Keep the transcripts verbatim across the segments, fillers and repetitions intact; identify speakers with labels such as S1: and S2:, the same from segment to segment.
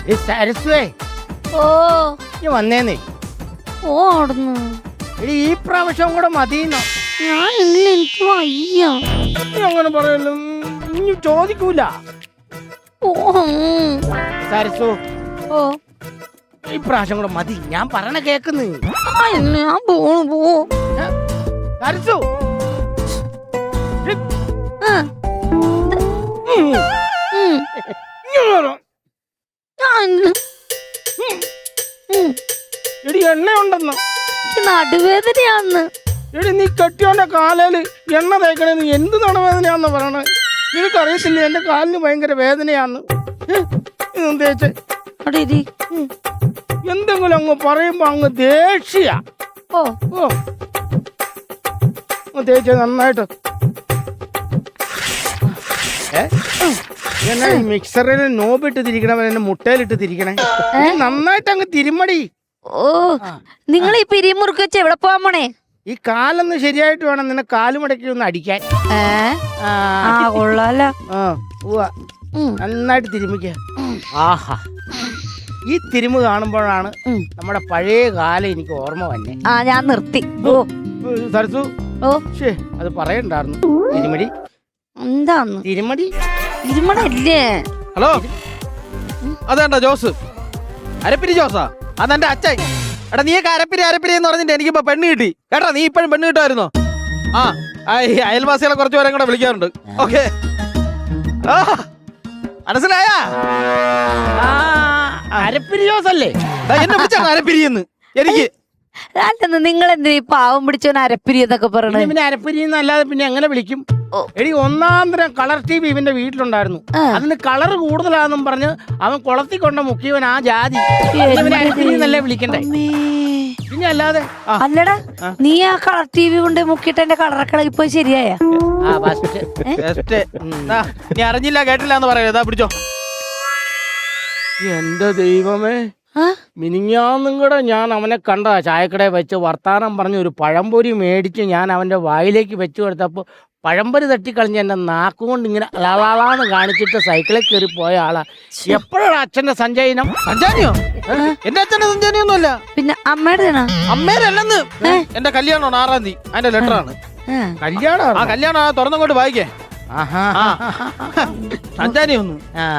S1: സരസ്വേ
S2: ഓ
S1: നീ വന്നേന്നേ.
S2: ഓ അവിടുന്ന്
S1: എടി ഈ പ്രാവശ്യം കൂടെ മതിയെന്നോ?
S2: ഞാൻ ഇല്ല, എനിക്ക് വയ്യ.
S1: നീ അങ്ങനെ പറയല്ലോ, ഇനി ചോദിക്കൂല.
S2: ഓ
S1: സരസു
S2: ഓ
S1: ഈ പ്രാവശ്യം കൂടെ മതി, ഞാൻ പറയണ കേക്കുന്നു.
S2: ആ ഇല്ല, ഞാൻ പോണു പോ.
S1: സരസു
S2: ആ,
S1: ഉം.
S2: ഉം.
S1: ഇങ്ങ് വരൂ.
S2: ഞാൻ ഇല്ല. ഉം.
S1: എടി എണ്ണ ഉണ്ടെന്ന്.
S2: എനിക്ക് നടുവേദനയാന്ന്.
S1: എടി നീ കെട്ടിയോന്റെ കാലേല് എണ്ണ തേക്കണേ, നീ എന്ത് നടുവേദനയാന്ന് പറയണേ? നിനക്കറിയത്തില്ല എന്റെ കാലിന് ഭയങ്കര വേദനയാന്ന്. തേച്ച്
S2: അവിടെ ഇരി.
S1: എന്തെങ്കിലും അങ്ങ് പറയുമ്പോ അങ്ങ് ദേഷ്യ.
S2: ഓ
S1: ഓ തേച്ച് നന്നായിട്ട്. ഏ എന്നാ മിക്സറിൽ നോബിട്ട് തിരിക്കണവൻ എന്നെ മുട്ടയിലിട്ട് തിരിക്കണേ. നീ നന്നായിട്ട് അങ്ങ് തിരുമടി.
S2: ഓ നിങ്ങൾ ഈ പിരിമുറുക്ക് വെച്ച് എവിടെ പോവാൻ പോണേ?
S1: ഈ കാലൊന്ന് ശരിയായിട്ട് വേണം നിന്നെ കാലുമടക്കി ഒന്ന് അടിക്കാൻ.
S2: ഏ
S1: ആ
S2: ആ കൊള്ളാലോ.
S1: ആ ഉവ്വ.
S2: ഉം.
S1: നന്നായിട്ട് തിരുമിക്ക. ആഹാ, ഈ തിരുമ് കാണുമ്പോഴാണ് നമ്മുടെ പഴയ കാലം എനിക്ക് ഓർമ്മ വന്നെ.
S2: ആ ഞാൻ നിർത്തി. ഓ
S1: സരസു
S2: ഓ
S1: ശേ അത് പറയണ്ടായിരുന്നു. തിരുമടി
S2: എന്താന്ന്
S1: തിരുമടി
S2: ഇരുമണല്ലേ?
S3: ഹലോ, അതെന്താ ജോസ്? അരപ്പിരി ജോസാ? അതെന്റെ അച്ഛൻ. എടാ നീ അരപ്പിരി അരപ്പിരി എന്ന് പറഞ്ഞിട്ട് എനിക്കിപ്പോ പെണ്ണ് കിട്ടി കേട്ടാ. നീ ഇപ്പോഴും പെണ്ണ് കിട്ടുമായിരുന്നോ? ആ അയൽവാസികളെ കുറച്ച് പേരെ കൂടെ വിളിക്കാറുണ്ട്. ഓക്കെ, മനസ്സിലായാ?
S1: അരപ്പിരിയോസല്ലേ
S3: എന്നെ വിളിച്ചാണ് അരപ്പിരിയെന്ന്. എനിക്ക്
S2: അല്ലെന്ന് നിങ്ങൾ എന്തിനാ ഈ പാവം പിടിച്ചോൻ അരപ്പിരി എന്നൊക്കെ പറയണേ?
S1: പിന്നെ അരപ്പിരി എന്നല്ലാതെ പിന്നെ എങ്ങനെ വിളിക്കും? എടി ഒന്നാം തരം കളർ ടി വി ഇവന്റെ വീട്ടിലുണ്ടായിരുന്നു. അതിന് കളർ കൂടുതലാണെന്നും പറഞ്ഞ് അവൻ കുളത്തി കൊണ്ട മുക്കിയവൻ ആ ജാതി. അരപ്പിരി എന്നല്ലേ വിളിക്കണ്ടേ? പിന്നെ അല്ലാതെ
S2: അല്ലടാ, നീ ആ കളർ ടി വി കൊണ്ട് മുക്കിയിട്ട് എന്റെ കളറൊക്കെ ഇപ്പൊ ശരിയായ?
S3: നീ അറിഞ്ഞില്ല കേട്ടില്ല എന്ന് പറയരുതാ. പിടിച്ചോ.
S1: എന്റെ ദൈവമേ, മിനിഞ്ഞാന്നും കൂടെ ഞാൻ അവനെ കണ്ട ചായക്കടയിൽ വെച്ച് വർത്താനം പറഞ്ഞ് ഒരു പഴംപൊരി മേടിച്ച് ഞാൻ അവന്റെ വായിലേക്ക് വെച്ചു കൊടുത്തപ്പോ പഴംപൊരി തട്ടിക്കളഞ്ഞ് എന്റെ നാക്കുകൊണ്ട് ഇങ്ങനെ അളാളാന്ന് കാണിച്ചിട്ട് സൈക്കിളിൽ കയറി പോയ ആളാ. എപ്പോഴാണ് അച്ഛന്റെ സഞ്ചയനം?
S3: സഞ്ചാനിയോ? എന്റെ അച്ഛന്റെ സഞ്ചാനിയൊന്നുമല്ല.
S2: പിന്നെ അമ്മയുടെ
S3: അമ്മേരല്ലെന്ന്. എന്റെ കല്യാണമാണ് ആറാം തീയതി. അതിന്റെ ലെറ്റർ ആണ്.
S1: കല്യാണം?
S3: ആ കല്യാണം തുറന്നങ്ങോട്ട് വായിക്കേ. സഞ്ചാനിയൊന്നും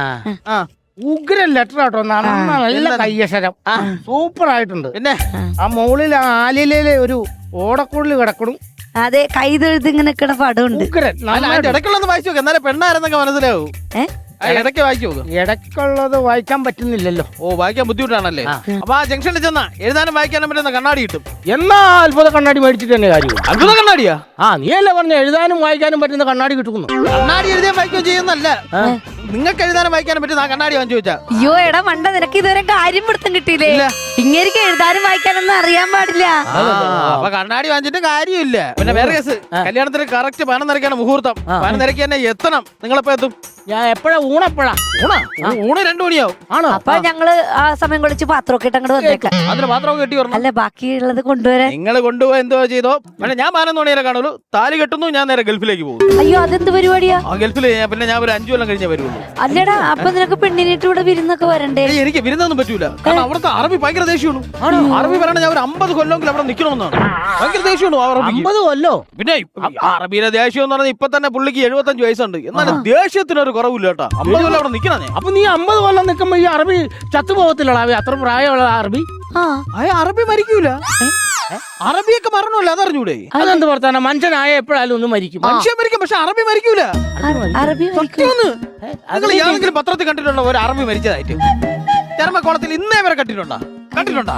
S1: ഉഗ്രൻ ലെറ്റർ ആട്ടോ. നല്ല കയ്യക്ഷരം, സൂപ്പർ ആയിട്ടുണ്ട്.
S3: പിന്നെ
S1: ആ മുകളിൽ ആ ആലിലയിലെ ഒരു ഓടക്കുള്ളിൽ കിടക്കണം.
S2: അതെ, കൈതെഴുതി ഇങ്ങനെ നിൽക്കണ പടമുണ്ട്.
S1: ഉഗ്രൻ.
S3: ഇടയ്ക്കുള്ളത് വായിച്ചു നോക്ക്, എന്നാലേ പെണ്ണാരെന്നൊക്കെ മനസ്സിലാവൂ. ഇടയ്ക്ക് വായിച്ചു നോക്ക്.
S1: ഇടയ്ക്കുള്ളത് വായിക്കാൻ പറ്റുന്നില്ലല്ലോ.
S3: ഓ, വായിക്കാൻ ബുദ്ധിമുട്ടാണല്ലേ? അപ്പൊ ആ ജംഗ്ഷനിൽ ചെന്നാ എഴുതാനും വായിക്കാനും പറ്റുന്ന കണ്ണാടി കിട്ടും.
S1: എന്നാ അത്ഭുത കണ്ണാടി മേടിച്ചിട്ട് തന്നെ കാര്യം.
S3: അത്ഭുത കണ്ണാടിയാ?
S1: ആ നീ അല്ലേ പറഞ്ഞ എഴുതാനും വായിക്കാനും പറ്റുന്ന കണ്ണാടി കിട്ടുന്നു.
S3: കണ്ണാടി എഴുതാൻ വായിക്കുകയും ചെയ്യുന്നല്ല, നിങ്ങൾക്ക് എഴുതാനും വായിക്കാനും പറ്റുന്ന ആ കണ്ണാടി വാങ്ങിച്ചു വെച്ചാ.
S2: അയ്യോ എടാ മണ്ട, നിനക്ക് ഇതുവരെ കാര്യം പിടുത്തം കിട്ടിയില്ലേ? ഇങ്ങേരിക്ക് എഴുതാനും വായിക്കാനൊന്നും അറിയാൻ പാടില്ല.
S3: അപ്പൊ കണ്ണാടി വാങ്ങിച്ചിട്ട് കാര്യമില്ല. പിന്നെ വേറെ കേസ്, കല്യാണത്തിന് കറക്റ്റ് പണം നിറയ്ക്കാണ് മുഹൂർത്തം. പണം നിറയ്ക്കാൻ തന്നെ എത്തണം. നിങ്ങളെപ്പോ എത്തും?
S1: ഞാൻ എപ്പോഴാ ഊണപ്പോഴാ?
S3: ഊണാ? ഊണ് രണ്ടു മണിയാവും.
S1: ആണോ?
S2: അപ്പൊ ഞങ്ങള് ആ സമയം കൊളിച്ച് പാത്രമൊക്കെ ഇട്ട് അങ്ങോട്ട് വന്നേക്കാം.
S3: അതിന് പാത്രമൊക്കെ കെട്ടി വരണം.
S2: അല്ല, ബാക്കിയുള്ളത് കൊണ്ടുവരാൻ.
S3: നിങ്ങൾ കൊണ്ടുപോയി എന്തോ ചെയ്തോ. പക്ഷെ ഞാൻ പതിനൊന്ന് മണിവരെ കാണുള്ളൂ. താലി കെട്ടുന്നു, ഞാൻ നേരെ ഗൾഫിലേക്ക് പോകും.
S2: അയ്യോ, അതെന്ത് പരിപാടിയാ?
S3: ആ ഗൾഫിൽ പിന്നെ ഞാൻ ഒരു അഞ്ചു കൊല്ലം കഴിഞ്ഞേ വരുള്ളൂ.
S2: അല്ലടാ, അപ്പൊ നിനക്ക് പെണ്ണിനിട്ട് ഇവിടെ വിരുന്നൊക്കെ വരണ്ടേ?
S3: എനിക്ക് വിരുന്നൊന്നും പറ്റൂല. കാരണം അവിടുത്തെ അറബി ഭയങ്കര ദേഷ്യമാണ്. അറബി പറയണ ഞാൻ ഒരു അമ്പത് കൊല്ലമെങ്കിലും അവിടെ നിൽക്കണമെന്നാണ്. ഭയങ്കര ദേഷ്യമാണ്
S1: അമ്പത് കൊല്ലോ.
S3: പിന്നെ അറബിയിലെ ദേഷ്യം എന്ന് പറഞ്ഞാൽ ഇപ്പൊ തന്നെ പുള്ളിക്ക് എഴുപത്തഞ്ച് വയസ്സുണ്ട്. എന്നാലും ദേഷ്യത്തിനൊരു കുറവില്ല കേട്ടോ. അമ്പത് കൊല്ലം അവിടെ നിൽക്കണേ.
S1: അപ്പൊ നീ അമ്പത് കൊല്ലം നിൽക്കുമ്പോ ഈ അറബി ചത്തുപോകത്തില്ലടാ? അത്ര പ്രായമുള്ള അറബി?
S2: ആ
S3: അറബി മരിക്കൂല. അറബിയൊക്കെ മരണമല്ല, അതറിഞ്ഞൂടെ?
S1: അതെന്ത് വർത്താന? മനുഷ്യനായ എപ്പോഴായാലും ഒന്ന് മരിക്കും.
S3: മനുഷ്യൻ മരിക്കും, പക്ഷെ അറബി മരിക്കൂല.
S2: അറബി
S3: സത്യമൊന്ന് നിങ്ങൾ ഏതെങ്കിലും പത്രത്തിൽ കണ്ടിട്ടുണ്ടോ ഒരു അറബി മരിച്ചതായിട്ട്? ചർമ്മക്കോളത്തിൽ ഇന്നേ വരെ കണ്ടിട്ടുണ്ടോ? കണ്ടിട്ടുണ്ടോ?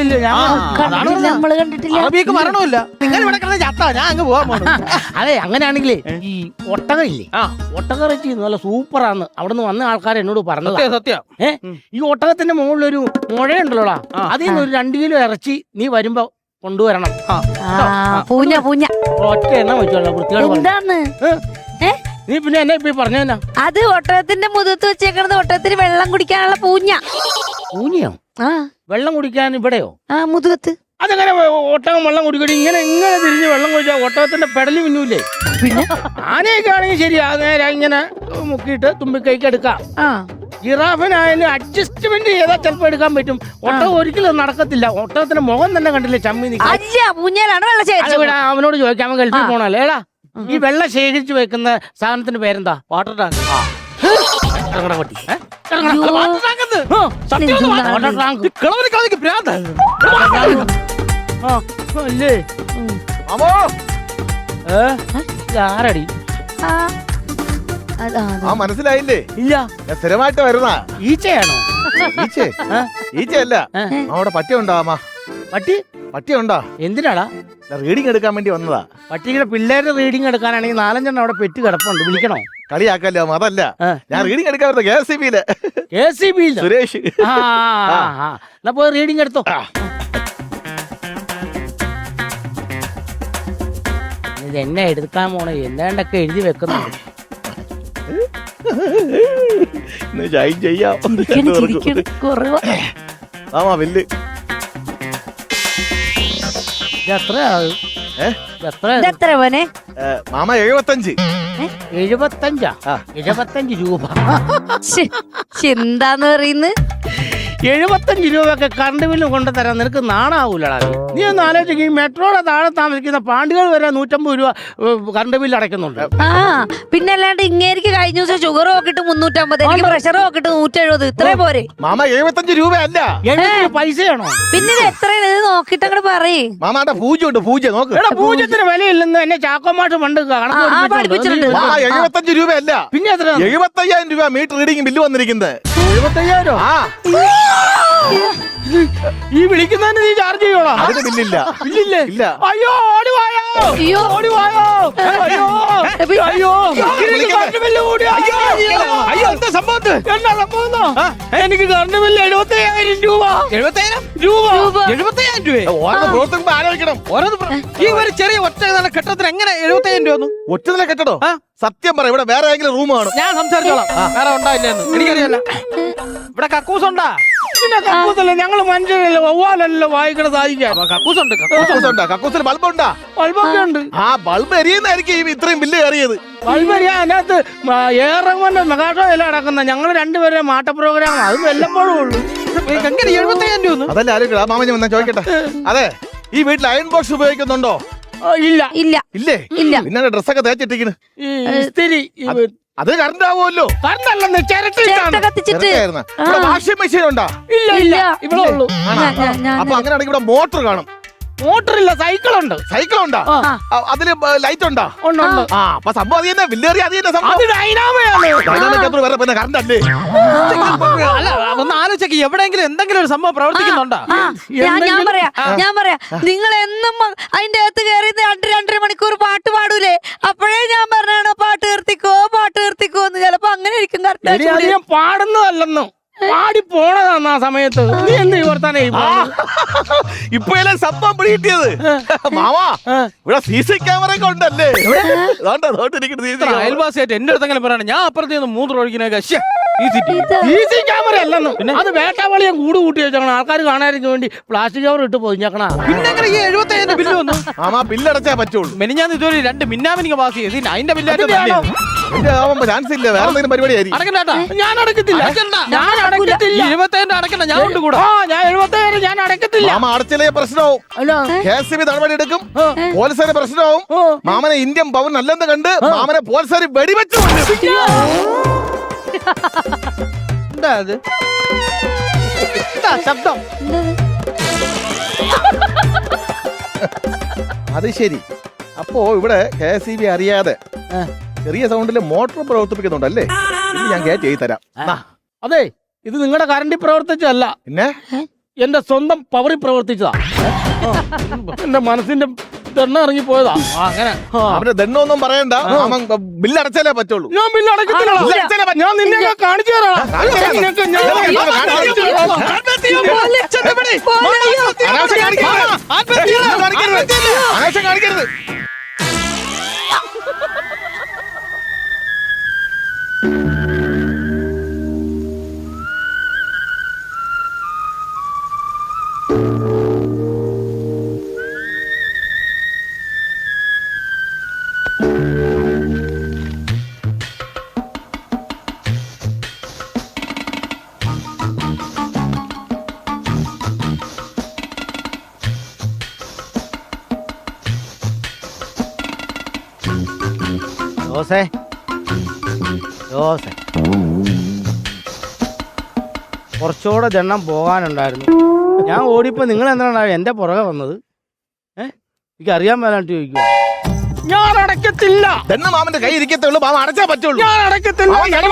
S2: നമ്മള് കണ്ടിട്ടില്ല.
S3: അറബിയൊക്കെ മരണമില്ല. നിങ്ങൾ ഇവിടെ കിടന്ന് ചത്താ ഞാൻ അങ്ങ് പോകാൻ പോകണം.
S1: അതെ, അങ്ങനെയാണെങ്കിലേ ഈ ഒട്ടക ഇല്ലേ, ആ ഒട്ടക ഇറച്ചി നല്ല സൂപ്പറാന്ന് അവിടുന്ന് വന്ന ആൾക്കാർ എന്നോട് പറഞ്ഞത്.
S3: സത്യം.
S1: ഏ ഈ ഒട്ടകത്തിന്റെ മുകളിലൊരു മുഴയുണ്ടല്ലോടാ, അതിൽ നിന്ന് ഒരു രണ്ടു കിലോ ഇറച്ചി നീ വരുമ്പോ കൊണ്ടുവരണം.
S2: പൂഞ്ഞ പൂഞ്ഞ
S1: ഒറ്റ എണ്ണ വെച്ചോളാം വൃത്തിയോട്.
S2: എന്താന്ന്
S1: നീ പിന്നെ എന്നെ ഇപ്പൊ പറഞ്ഞാ? അത്
S2: ഒട്ടകത്തിന്റെ മുഖത്ത് വെച്ചേക്കണത് ഒട്ടകത്തിന് വെള്ളം കുടിക്കാനുള്ള പൂഞ്ഞ.
S1: പൂഞ്ഞയോ? ആ വെള്ളം കുടിക്കാൻ ഇവിടെയോ?
S2: ആ മുതുകത്ത്.
S1: അതെങ്ങനെ ഒട്ടകം വെള്ളം കുടിക്കടി? ഇങ്ങനെ ഇങ്ങനെ തിരിഞ്ഞ് വെള്ളം കുടിച്ചാൽ ഒട്ടകത്തിന്റെ പെടലി മിന്നൂല്ലേ?
S2: പിന്നെ
S1: ആനയൊക്കെ ആണെങ്കിൽ ശരി, നേരെ ഇങ്ങനെ മുക്കിയിട്ട് തുമ്പിക്കൈക്ക് എടുക്കാം. ജിറാഫിനായാലും അഡ്ജസ്റ്റ്മെന്റ് ചെയ്താൽ ചിലപ്പോ എടുക്കാൻ പറ്റും. ഒട്ടകം ഒരിക്കലും നടക്കത്തില്ല. ഒട്ടകത്തിന്റെ മുഖം തന്നെ കണ്ടില്ലേ ചമ്മി നിൽക്കാൻ.
S2: അല്ല ഊഞ്ഞാലാണ് വെള്ളം ശേഖരിച്ചു.
S1: അവനോട് ചോദിക്കാം, അവൻ ഗൾഫിൽ പോണല്ലേ. ഏടാ ഈ വെള്ളം ശേഖരിച്ചു വെക്കുന്ന സാധനത്തിന്റെ പേരെന്താ?
S3: Water tank.
S1: ഇറങ്ങടാ പട്ടി. ഏ?
S2: അയ്യോ.
S1: വാട്ടർ ടാങ്ക് എന്ന്. ആ, സത്യം ഒന്ന് വാ- വാട്ടർ ടാങ്ക്.
S3: കിളവന് കളിക്ക് ഭ്രാന്ത്.
S1: ആ, അല്ലേ
S3: മാമോ
S1: ഏ? ഇതാരടി?
S2: ആ, അതാ, അതാ.
S4: ആ മനസ്സിലായില്ലേ?
S1: ഇല്ല,
S4: ഞാൻ സ്ഥിരമായിട്ട് വരുന്ന
S1: ഈച്ചയാണോ?
S4: ഈച്ചേ
S1: ഏ?
S4: ഈച്ചയല്ല.
S1: ഏ?
S4: അവിടെ പട്ടിയുണ്ടോ അമ്മ?
S1: പട്ടി
S4: പട്ടിയുണ്ടോ?
S1: എന്തിനാടാ?
S4: റീഡിങ് എടുക്കാൻ വേണ്ടി വന്നതാ.
S1: പട്ടിയുടെ പിള്ളേരുടെ റീഡിങ് എടുക്കാനാണെങ്കിൽ നാലഞ്ചെണ്ണം അവിടെ പെറ്റ് കിടപ്പുണ്ട്. വിളിക്കണോ?
S4: കളിയാക്കല്ലോ അമ്മ, അതല്ല.
S1: ഏ.
S4: ഞാൻ റീഡിങ് എടുക്കാൻ വരുന്നത് കെ എസ് സി ബിയില്
S1: കെ സി ബി
S4: സുരേഷ്.
S1: ആ ആ, ആ. എന്നാ പോയി റീഡിങ് എടുത്തോ. ഇത് എന്നെ എടുക്കാൻ പോണേ എന്താണ്ടൊക്കെ എഴുതി വെക്കുന്നുണ്ട്.
S4: ഇന്ന് ജോയിൻ ചെയ്യാം.
S2: ചിരിക്കണ്, ചിരിക്കണ്. കുറവാ.
S4: ആമാ വില്ല്.
S1: ഇത് എത്രയാ?
S4: ഏ?
S1: ഇത് എത്രയാ?
S2: ഇതെത്ര മോനെ?
S4: ഏ, മാമ എഴുപത്തഞ്ച്.
S1: എഴുപത്തഞ്ചാ?
S4: ആ.
S1: എഴുപത്തഞ്ച് രൂപ.
S2: ശ്ശെ, ശ്ശെ, എന്താന്ന് പറയുന്നത്?
S1: എഴുപത്തഞ്ച് രൂപയൊക്കെ കറണ്ട് ബില്ല് കൊണ്ടു തരാൻ നിനക്ക് നാണാവൂലടാ. നീ ഒന്ന് ആലോചിക്കും, ഈ മെട്രോയുടെ താഴെ താമസിക്കുന്ന പാണ്ടികൾ വരെ നൂറ്റമ്പത് രൂപ കറണ്ട് ബില്ല് അടയ്ക്കുന്നുണ്ട്.
S2: ആ പിന്നെ അല്ലാണ്ട് ഇങ്ങേരിക്ക് കഴിഞ്ഞ ദിവസം ഷുഗർ നോക്കിട്ട് മുന്നൂറ്റമ്പത്, എനിക്ക് പ്രഷർ നോക്കിട്ട് നൂറ്റെഴുപത്, ഇത്രേ പോരെ?
S4: മാമ എഴുപത്തഞ്ച് രൂപയല്ല.
S1: എഴുപത്തഞ്ച് പൈസയാണോ?
S2: പിന്നെ ഇത് എത്രയാണ്? ഇത് നോക്കിട്ട് അങ്ങോട്ട് പറയേ.
S4: മാമാന്റെ പൂജ ഉണ്ട്, പൂജ നോക്ക്.
S1: എടാ പൂജ്യത്തിന് വിലയില്ലെന്ന് എന്നെ ചാക്കോമാട്ട് പണ്ട് കണക്ക്
S2: ആ, ആ,
S1: പഠിപ്പിച്ചിട്ടുണ്ട്.
S2: പഠിപ്പിച്ചിട്ടുണ്ട്.
S4: മാമ എഴുപത്തഞ്ച് രൂപയല്ല,
S1: പിന്നെ എത്ര?
S4: എഴുപത്തയ്യായിരം രൂപ മീറ്റർ റീഡിംഗ് ബില്ല് വന്നിരിക്കുന്നത്.
S1: എഴുപത്തയ്യായിരോ?
S4: ആ
S1: ഈ വിളിക്കുന്നതിന് നീ ചാർജ് ചെയ്യോളാ?
S4: അതിന് ബില്ലില്ല.
S1: ഇല്ലില്ലേ?
S4: ഇല്ല.
S1: അയ്യോ ഓടി വായോ,
S2: അയ്യോ.
S1: ഓടി വായോ, അയ്യോ അയ്യോ എനിക്ക് കറണ്ട് ബില്ല് കൂടി. അയ്യോ
S3: അയ്യോ എന്താ സംഭവം?
S1: എന്നാ സംഭവം? എനിക്ക് കറണ്ട് ബില്ല് എഴുപത്തി അയ്യായിരം രൂപ.
S3: എഴുപത്തയ്യായിരം
S1: രൂപ
S3: എഴുപത്തയ്യായിരം രൂപ.
S4: ഓരോ പ്രവർത്തനം ആലോചിക്കണം.
S3: ഓരോന്ന് പ്ര- ഈ ഒരു ചെറിയ ഒറ്റ കെട്ടത്തിന് എങ്ങനെ എഴുപത്തയ്യായിരം രൂപ ഒന്നും?
S4: ഒറ്റ കെട്ടടോ?
S3: ആ.
S4: സത്യം പറ, ഇവിടെ വേറെ ഏതെങ്കിലും റൂം കാണും?
S3: ഞാൻ സംസാരിച്ചോളാം. വേറെ ഉണ്ടായില്ലെന്ന് എനിക്കറിയാലോ. ഇവിടെ കക്കൂസ് ഉണ്ടാ?
S1: പിന്നെ കക്കൂസല്ലേ, ഞങ്ങള് മനുഷ്യരല്ലേ, വവ്വാലല്ലോ വായിക്കണ സാധിക്കാൻ.
S3: കക്കൂസ് ഉണ്ട്.
S4: കക്കൂസ് ഉണ്ടാ? കക്കൂസിൽ ബൾബ് ഉണ്ടാ?
S1: ബൾബൊക്കെ ഉണ്ട്.
S4: ആ ബൾബ് എരിയുന്നതായിരിക്കും ഈ ഇത്രയും ബില്ല് കയറിയത്.
S1: ബൾബരിയാ അതിനകത്ത് ഏറെകൊണ്ട് മെഗാഷോ എല്ലാം അടക്കുന്ന. ഞങ്ങൾ രണ്ടുപേരെ മാട്ട പ്രോഗ്രാം, അതും വല്ലപ്പോഴും ഉള്ളൂ.
S3: എങ്ങനെ എഴുപത്തയ്യായിരം രൂപ ഒന്നും?
S4: അതല്ല ആലോചിക്കണം. ആ മാമൻ വന്നാ ചോദിക്കട്ടെ. അതെ, ഈ വീട്ടിൽ അയൺ ബോക്സ് ഉപയോഗിക്കുന്നുണ്ടോ?
S1: ആ, ഇല്ല.
S2: ഇല്ല
S4: ഇല്ലേ?
S2: ഇല്ല.
S4: പിന്നെ ഡ്രസ്സൊക്കെ തേച്ചിട്ടിരിക്കുന്നു.
S1: ഈ ഇസ്തിരി
S4: അത് കറണ്ട് ആവുമല്ലോ.
S1: കറണ്ടല്ലെന്ന്
S2: ചേർത്ത
S1: ചിരട്ടിട്ടാണ്.
S2: കത്തിച്ചിട്ട്.
S4: ചെറുതായിരുന്നു. ഇവിടെ വാഷിംഗ് മെഷീൻ ഉണ്ടാ?
S1: ഇല്ല ഇല്ല, ഇവിടെ ഉള്ളൂ.
S2: ഞാൻ- ഞാൻ- ഞാൻ-
S4: അപ്പൊ അങ്ങനെയാണെങ്കിൽ ഇവിടെ മോട്ടർ കാണും.
S1: മോട്ടറില്ല, സൈക്കിളുണ്ട്.
S4: സൈക്കിൾ ഉണ്ടാ?
S1: ആ.
S4: അ- അതില് ലൈറ്റ് ഉണ്ടാ?
S1: ഉണ്ട് ഉണ്ട്.
S4: ആ അപ്പൊ സംഭവം അത് തന്നെ, ബില്ലേറി അത് തന്നെ
S1: അത്
S4: സംഭവം.
S1: ഡൈനാമയാണ്.
S4: Dynamic control വേറെ പിന്നെ കറണ്ട് അല്ലേ?
S3: അല്ല ഒന്ന് ആലോചിക്ക്, എവിടെയെങ്കിലും എന്തെങ്കിലും ഒരു സംഭവം പ്രവർത്തിക്കുന്നുണ്ടോ?
S2: ആ, ഞാൻ ഞാൻ പറയാ ഞാൻ പറയാ നിങ്ങൾ എന്നും മ- അതിന്റെ അകത്ത് കയറി രണ്ട് രണ്ടര മണിക്കൂർ പാട്ട് പാടൂലേ? അപ്പോഴേ ഞാൻ പറഞ്ഞാണോ പാട്ട് നിർത്തിക്കോ പാട്ട് നിർത്തിക്കോ എന്ന്. ചിലപ്പോ അങ്ങനെ ഇരിക്കും
S1: എടി, അത്
S2: കറക്റ്റ്.
S1: ഞാൻ പാടുന്നതല്ലെന്ന്, പാടി പോണതാന്ന് ആ സമയത്ത്. നീ എന്ത് വർത്താനേ
S4: ആ, ഇപ്പൊ അല്ലേ സംഭവം പിടികിട്ടിയത്? മാമാ ഇവിടെ സി സി ക്യാമറ ഒക്കെ ഉണ്ടല്ലേ? അതുകൊണ്ടാ തോട്ടിരിക്കുന്നത് സി സി ക്യാമറ.
S3: അയൽവാസിയായിട്ട് എന്റെ അടുത്തെങ്കിലും പറയണം, ഞാൻ അപ്പുറത്ത് നിന്ന് മൂന്ന് ഒഴിക്കുന്നൊക്കെ
S1: ക്യാമറ അല്ലെന്ന്. അത് വേട്ടാവളിയും കൂട് കൂട്ടി വെച്ചേക്കണം, ആൾക്കാർ കാണാതിരിക്കാൻ വേണ്ടി പ്ലാസ്റ്റിക് കവർ ഇട്ട് പൊതിഞ്ഞേക്കണ.
S3: പിന്നെ എങ്ങനെ ഈ എഴുപത്തയ്യായിരം ബില്ല് വന്നു?
S4: മാമാ ബില്ലടച്ചാ പറ്റുള്ളൂ.
S3: മെനിഞ്ഞാന്ന് ഇതുവരെ രണ്ട് മിന്നാമിനിക്ക് പാസ് ചെയ്ത് അതിന്റെ
S1: അതിന്റെയാണോ?
S4: എന്റെ ആവുമ്പോ ചാൻസ് ഇല്ല, വേറെ എന്തെങ്കിലും പരിപാടി ആയിരിക്കും.
S3: അടക്കണ്ടാ.
S1: ഞാൻ അടക്കത്തില്ല,
S3: അടക്കണ്ട.
S1: ഞാൻ അടക്കത്തില്ല.
S3: ഇരുപത്തയ്യായിരം അടക്കണ്ട, ഞാൻ കൊണ്ട് കൂടാ.
S1: ആ ഞാൻ എഴുപത്തേഴ് ഞാൻ അടക്കത്തില്ല.
S4: മാമ അടച്ചില്ലേ പ്രശ്നവും.
S1: അല്ല
S4: കെ എസ് ബി നടപടി എടുക്കും, പോലീസുകാരെ പ്രശ്നവും.
S1: ഓ.
S4: മാമനെ ഇന്ത്യൻ പൗരൻ അല്ലെന്ന് കണ്ട് മാമനെ പോലീസുകാർ വെടിവെച്ചു കൊല്ലും.
S3: എന്താ അത്? എന്താ ശബ്ദം?
S4: അത് ശരി. അപ്പോ ഇവിടെ കെ എസ് ബി അറിയാതെ ചെറിയ സൗണ്ടിൽ മോട്ടോർ പ്രവർത്തിപ്പിക്കുന്നുണ്ടല്ലേ? ഇത് ഞാൻ കയറ്റി എഴുതി തരാം. ദാ.
S1: അതെ, ഇത് നിങ്ങളുടെ കറണ്ടിൽ പ്രവർത്തിച്ചല്ല,
S4: പിന്നെ
S1: എന്റെ സ്വന്തം പവറിൽ പ്രവർത്തിച്ചതാ. ആ, എന്റെ മനസ്സിന്റെ ദണ്ണ ഇറങ്ങി പോയതാ. ആ, അങ്ങനെ ആ.
S4: അവന്റെ ദണ്ണൊന്നും പറയണ്ട, മാമൻ ബില്ല് അടച്ചാലേ പറ്റുള്ളൂ.
S1: ഞാൻ ബില്ല് അടക്കത്തില്ല.
S4: ബില്ല് അടച്ചാലേ പറ്റൂ.
S1: ഞാൻ നിന്നെയൊക്കെ കാണിച്ചു തരാം.
S4: കാണിച്ചു തരാം.
S1: നിന്നെയൊക്കെ ഞാൻ കാണിച്ചു തരാം.
S4: അനാവശ്യം കാണിക്കരുത്. അനാവശ്യം കാണിക്കരുത്.
S1: ജോസേ ജോസേ കുറച്ചുകൂടെ ജണ്ണം പോകാനുണ്ടായിരുന്നു. ഞാൻ ഓടിയപ്പോ നിങ്ങൾ എന്താണ് എന്റെ പുറകെ വന്നത്? ഏഹ് എനിക്ക് അറിയാൻ മേലാണ്ട് ചോദിക്കുക. ഞാൻ അടയ്ക്കത്തില്ല.
S4: തന്നെ മാമന്റെ കൈ ഇരിക്കത്തുള്ളൂ, മാമ അടച്ചാ പറ്റുള്ളൂ.
S1: ഞാൻ അടയ്ക്കത്തില്ല.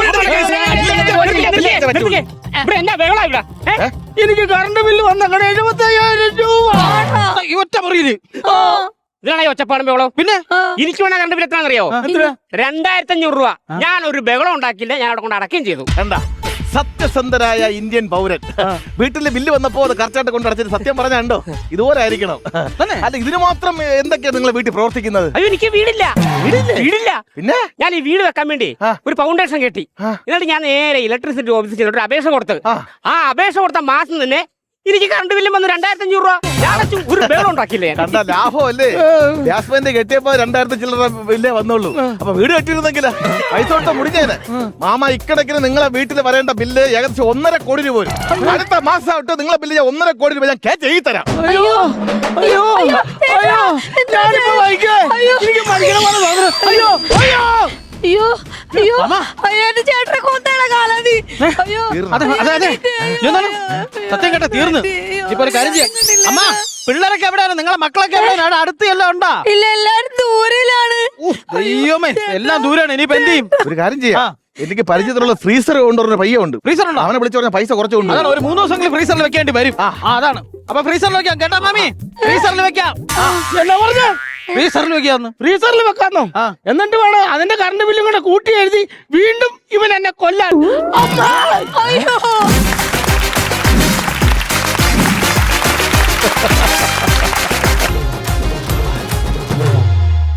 S1: എനിക്ക് കറണ്ട് ബില്ല് വന്നേക്കണ എഴുപത്തി അയ്യായിരം രൂപ.
S3: ഈ ഒറ്റ മുറിയില്
S5: ഇതിനാണ് ഒച്ചപ്പാടും ബഹളം.
S3: പിന്നെ
S5: എനിക്ക് വേണം കണ്ടു എത്രയാണെന്നറിയോ? രണ്ടായിരത്തി അഞ്ഞൂറ് രൂപ. ഞാൻ ഒരു ബഹളം ഉണ്ടാക്കില്ല, ഞാൻ അവിടെ കൊണ്ട് അടക്കുകയും ചെയ്തു.
S4: കണ്ട സത്യസന്ധരായ ഇന്ത്യൻ പൗരൻ വീട്ടിലെ ബില്ല് വന്നപ്പോ അത് കറക്റ്റായിട്ട് കൊണ്ട് അടച്ചിട്ട് സത്യം പറഞ്ഞോ ഇതുപോലെ ആയിരിക്കണം. അല്ല ഇതിന് മാത്രം എന്തൊക്കെയാണ് നിങ്ങൾ വീട്ടിൽ പ്രവർത്തിക്കുന്നത്?
S5: അയ്യോ എനിക്ക് വീടില്ല വീടില്ല
S4: പിന്നെ
S5: ഞാൻ ഈ വീട് വെക്കാൻ വേണ്ടി ഒരു ഫൗണ്ടേഷൻ കെട്ടി. എന്നിട്ട് ഞാൻ നേരെ ഇലക്ട്രിസിറ്റി ഓഫീസിൽ ചെന്നിട്ട് ഒരു അപേക്ഷ കൊടുത്ത് ആ അപേക്ഷ കൊടുത്ത മാസം തന്നെ എനിക്ക് കറണ്ട് ബില്ലും വന്നു രണ്ടായിരത്തി അഞ്ഞൂറ് രൂപ. ഞാൻ അടച്ചു, ഒരു ബഹളം ഉണ്ടാക്കില്ലേ.
S4: കണ്ട ലാഭമല്ലേ? ഗ്യാസ് പെയിന്റ് കെട്ടിയപ്പോ രണ്ടായിരത്തി ചില്ലറ ബില്ലേ വന്നുള്ളൂ. അപ്പൊ വീട് കെട്ടിയിരുന്നെങ്കില് പൈസ കൊടുത്ത മുടിഞ്ഞേനെ. മാമ ഇക്കണക്കിന് നിങ്ങളെ വീട്ടിൽ വരേണ്ട ബില്ല് ഏകദേശം ഒന്നര കോടി രൂപ വരും. അടുത്ത മാസം ആയിട്ട് നിങ്ങളെ ബില്ല് ഞാൻ ഒന്നര കോടി രൂപ ഞാൻ ക്യാച്ച് ചെയ്ത് തരാം.
S1: അയ്യോ അയ്യോ അയ്യോ ഞാനിപ്പോ വായിക്കേ. എനിക്ക് മരിക്കണ പോലെ തോന്നുന്നു. അയ്യോ അയ്യോ
S2: അയ്യോ അയ്യോ അയ്യോ എന്റെ ചേട്ടനെ കൊന്നേണ കാലാതി. അയ്യോ
S3: അതെ അതെ അതെ എന്താണ് സത്യം കേട്ട തീർന്നു. ഇപ്പൊ ഒരു കാര്യം ചെയ്യാം. അമ്മ പിള്ളേരൊക്കെ എവിടെയാണ്? നിങ്ങളെ മക്കളൊക്കെ എവിടെയാണ്? അവിടെ അടുത്ത് എല്ലാം ഉണ്ടാ?
S2: ഇല്ല, എല്ലാരും ദൂരയിലാണ്.
S3: ദൈവമേ എല്ലാം ദൂരാണ്. ഇനിയിപ്പോ എന്ത് ചെയ്യും?
S4: ഒരു കാര്യം ചെയ്യാം, എനിക്ക് പരിചയത്തിലുള്ള ഫ്രീസർ കൊണ്ടുവരുന്ന പയ്യുണ്ട്.
S3: ഫ്രീസർ ഉണ്ടോ?
S4: അവനെ വിളിച്ചു പറഞ്ഞ പൈസ കുറച്ച് കൊണ്ട്
S3: അതാണ് ഒരു മൂന്ന് ദിവസങ്ങളിൽ ഫ്രീസറിൽ വെക്കേണ്ടി വരും. ആ അതാണ്. അപ്പൊ ഫ്രീസറിൽ വെക്കാം കേട്ടാ മാമി. ഫ്രീസറിൽ വെക്കാം.
S1: എന്നാ പറഞ്ഞ
S3: ഫ്രീസറിൽ വെക്കാന്ന്.
S1: ഫ്രീസറിൽ വെക്കാന്നോ? എന്നിട്ട് വേണം അതിന്റെ കറണ്ട് ബില്ലും കൂടെ കൂട്ടി എഴുതി വീണ്ടും ഇവൻ എന്നെ കൊല്ലാൻ. അമ്മ!
S2: അയ്യോ